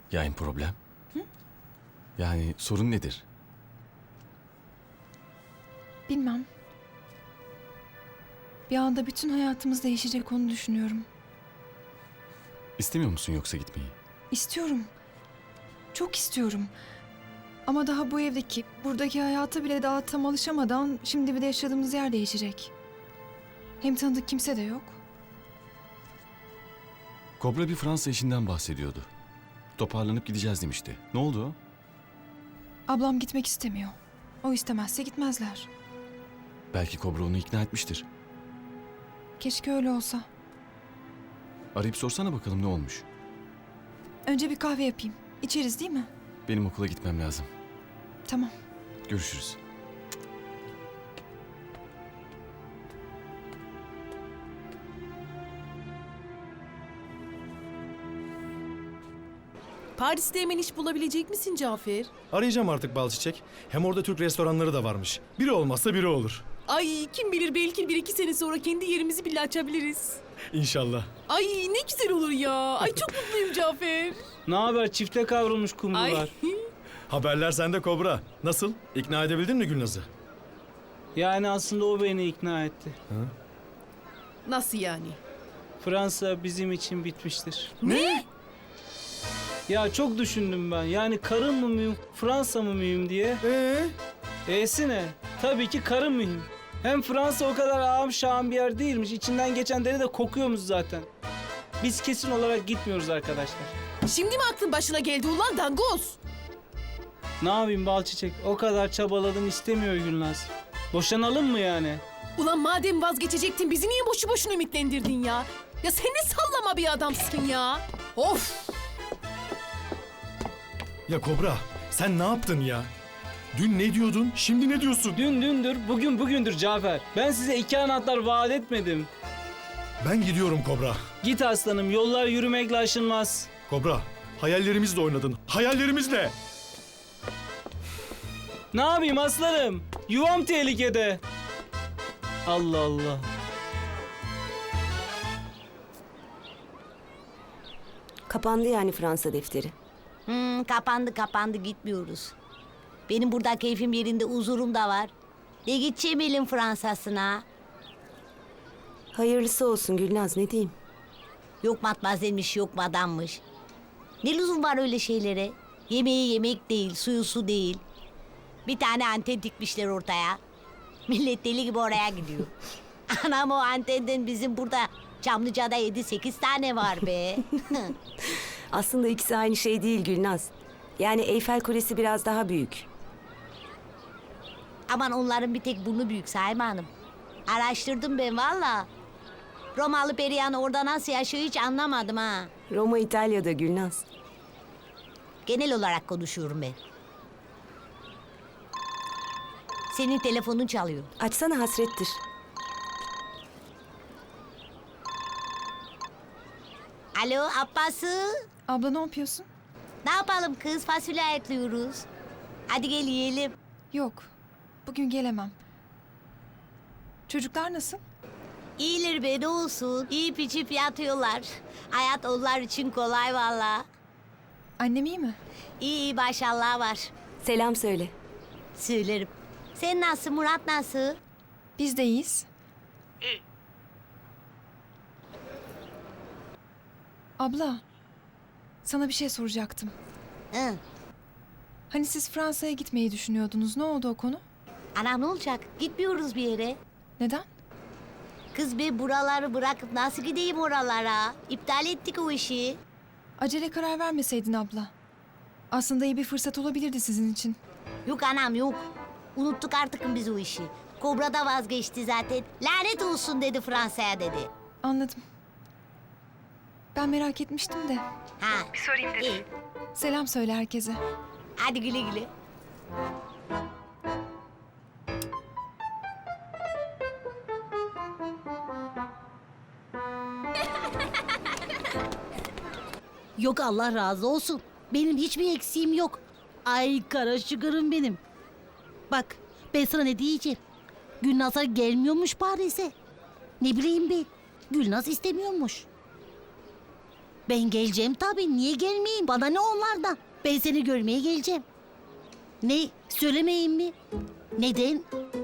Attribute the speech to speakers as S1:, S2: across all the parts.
S1: Yani problem? Yani sorun nedir?
S2: Bilmem. Bir anda bütün hayatımız değişecek, onu düşünüyorum.
S1: İstemiyor musun yoksa gitmeyi?
S2: İstiyorum. Çok istiyorum. Ama daha bu evdeki, buradaki hayata bile daha tam alışamadan şimdi bir de yaşadığımız yer değişecek. Hem tanıdık kimse de yok.
S1: Kobra bir Fransa işinden bahsediyordu. Toparlanıp gideceğiz demişti. Ne oldu o?
S2: Ablam gitmek istemiyor. O istemezse gitmezler.
S1: Belki Kobra onu ikna etmiştir.
S2: Keşke öyle olsa.
S1: Arayıp sorsana bakalım ne olmuş.
S2: Önce bir kahve yapayım. İçeriz değil mi?
S1: Benim okula gitmem lazım.
S2: Tamam.
S1: Görüşürüz.
S3: Paris'te hemen iş bulabilecek misin Cafer?
S4: Arayacağım artık Balçiçek. Hem orada Türk restoranları da varmış. Biri olmazsa biri olur.
S3: Ay kim bilir belki 1-2 sene sonra kendi yerimizi bile açabiliriz.
S4: İnşallah.
S3: Ay ne güzel olur ya. Ay çok mutluyum Cafer.
S5: Ne haber? Çifte kavrulmuş
S3: Ay
S5: kumrular.
S4: Haberler sende Kobra. Nasıl? İkna edebildin mi Gülnaz'ı?
S5: Yani aslında o beni ikna etti.
S3: nasıl yani?
S5: Fransa bizim için bitmiştir.
S3: Ne?
S5: Ya çok düşündüm ben. Yani karın mı mühim, Fransa mı mühim diye. E'si ne? Tabii ki karın mühim. Hem Fransa o kadar ağam şahım bir yer değilmiş. İçinden geçen deri de kokuyormuş zaten. Biz kesin olarak gitmiyoruz arkadaşlar.
S3: Şimdi mi aklın başına geldi ulan dangoz?
S5: Ne yapayım Balçiçek? O kadar çabaladım, istemiyor Gülnaz. Boşanalım mı yani?
S3: Ulan madem vazgeçecektin bizi niye boşu boşuna ümitlendirdin ya? Ya sen ne sallama bir adamsın ya. Of.
S4: Ya Kobra, sen ne yaptın ya? Dün ne diyordun, şimdi ne diyorsun?
S5: Dün dündür, bugün bugündür Cafer. Ben size 2 anahtar vaat etmedim.
S4: Ben gidiyorum Kobra.
S5: Git aslanım, yollar yürümekle aşılmaz.
S4: Kobra, hayallerimizle oynadın. Hayallerimizle.
S5: Ne yapayım aslanım? Yuvam tehlikede. Allah Allah.
S6: Kapandı yani Fransa defteri.
S7: Kapandı gitmiyoruz. Benim burada keyfim yerinde, huzurum da var. Gideceğim elin Fransa'sına.
S6: Hayırlısı olsun Gülnaz, ne diyeyim?
S7: Yok matmazelmiş, yok madammış. Ne lüzum var öyle şeylere? Yemeği yemek değil, suyu su değil. Bir tane anten dikmişler ortaya. Millet deli gibi oraya gidiyor. Anam o antenden bizim burada Çamlıca'da 7-8 tane var be.
S6: Aslında ikisi aynı şey değil Gülnaz. Yani Eyfel Kulesi biraz daha büyük.
S7: Aman onların bir tek burnu büyük Saime Hanım. Araştırdım ben valla. Romalı Perihan orada nasıl yaşıyor hiç anlamadım ha.
S6: Roma İtalya'da Gülnaz.
S7: Genel olarak konuşuyorum ben. Senin telefonun çalıyor.
S6: Açsana, hasrettir.
S7: Alo Abbası.
S2: Abla ne yapıyorsun?
S7: Ne yapalım kız, fasulye ayıklıyoruz. Hadi gel yiyelim.
S2: Yok. Bugün gelemem. Çocuklar nasıl?
S7: İyiler be ne olsun. Yiyip içip yatıyorlar. Hayat onlar için kolay valla.
S2: Annem iyi mi?
S7: İyi maşallah var.
S6: Selam söyle.
S7: Söylerim. Sen nasıl, Murat nasıl?
S2: Biz de iyiyiz. Abla, sana bir şey soracaktım.
S7: Hı.
S2: Hani siz Fransa'ya gitmeyi düşünüyordunuz. Ne oldu o konu?
S7: Anam ne olacak? Gitmiyoruz bir yere.
S2: Neden?
S7: Kız be buraları bırakıp nasıl gideyim oralara? İptal ettik o işi.
S2: Acele karar vermeseydin abla. Aslında iyi bir fırsat olabilirdi sizin için.
S7: Yok anam yok. Unuttuk artık biz o işi. Kobra da vazgeçti zaten. Lanet olsun dedi Fransa'ya dedi.
S2: Anladım. Ben merak etmiştim de.
S7: Ha. Bir sorayım dedim. İyi.
S2: Selam söyle herkese.
S7: Hadi güle güle.
S8: Yok Allah razı olsun. Benim hiçbir eksiğim yok. Ay kara şıkırım benim. Bak ben sana ne diyeceğim. Gülnaz'a gelmiyormuş Paris'e. Ne bileyim ben. Gülnaz istemiyormuş. Ben geleceğim tabii. Niye gelmeyeyim? Bana ne onlardan? Ben seni görmeye geleceğim. Ne? Söylemeyeyim mi? Neden?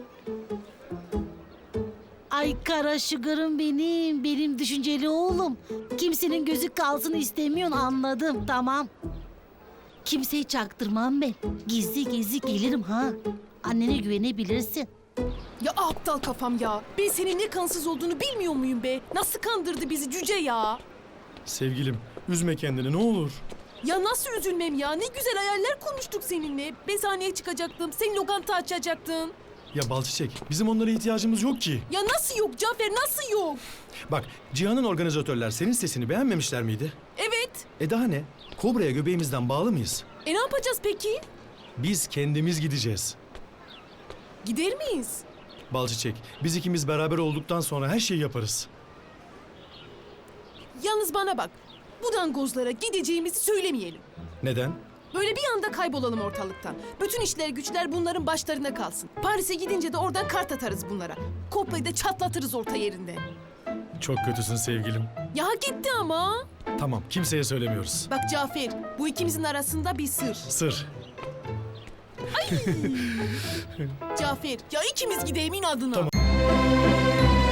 S8: Ay kara sugar'ım benim. Benim düşünceli oğlum. Kimsenin gözü kalsın istemiyorsun, anladım. Tamam. Kimseyi çaktırmam ben. Gizli gizli gelirim ha. Annene güvenebilirsin.
S3: Ya aptal kafam ya. Ben senin ne kansız olduğunu bilmiyor muyum be? Nasıl kandırdı bizi cüce ya?
S4: Sevgilim, üzme kendini ne olur.
S3: Ya nasıl üzülmem ya? Ne güzel hayaller kurmuştuk seninle. Ben sahneye çıkacaktım. Sen lokanta açacaktın.
S4: Ya Balçiçek, bizim onlara ihtiyacımız yok ki.
S3: Ya nasıl yok Cafer, nasıl yok?
S4: Bak, Cihan'ın organizatörler senin sesini beğenmemişler miydi?
S3: Evet.
S4: Daha ne? Kobra'ya göbeğimizden bağlı mıyız?
S3: Ne yapacağız peki?
S4: Biz kendimiz gideceğiz.
S3: Gider miyiz?
S4: Balçiçek, biz ikimiz beraber olduktan sonra her şeyi yaparız.
S3: Yalnız bana bak. Bu dangozlara gideceğimizi söylemeyelim.
S4: Neden?
S3: Böyle bir anda kaybolalım ortalıktan. Bütün işler güçler bunların başlarına kalsın. Paris'e gidince de oradan kart atarız bunlara. Kopyayı da çatlatırız orta yerinde.
S4: Çok kötüsün sevgilim.
S3: Ya hak etti ama.
S4: Tamam, kimseye söylemiyoruz.
S3: Bak Cafer, bu ikimizin arasında bir sır.
S4: Sır.
S3: Cafer, ya ikimiz gidelim inadına.
S4: Tamam.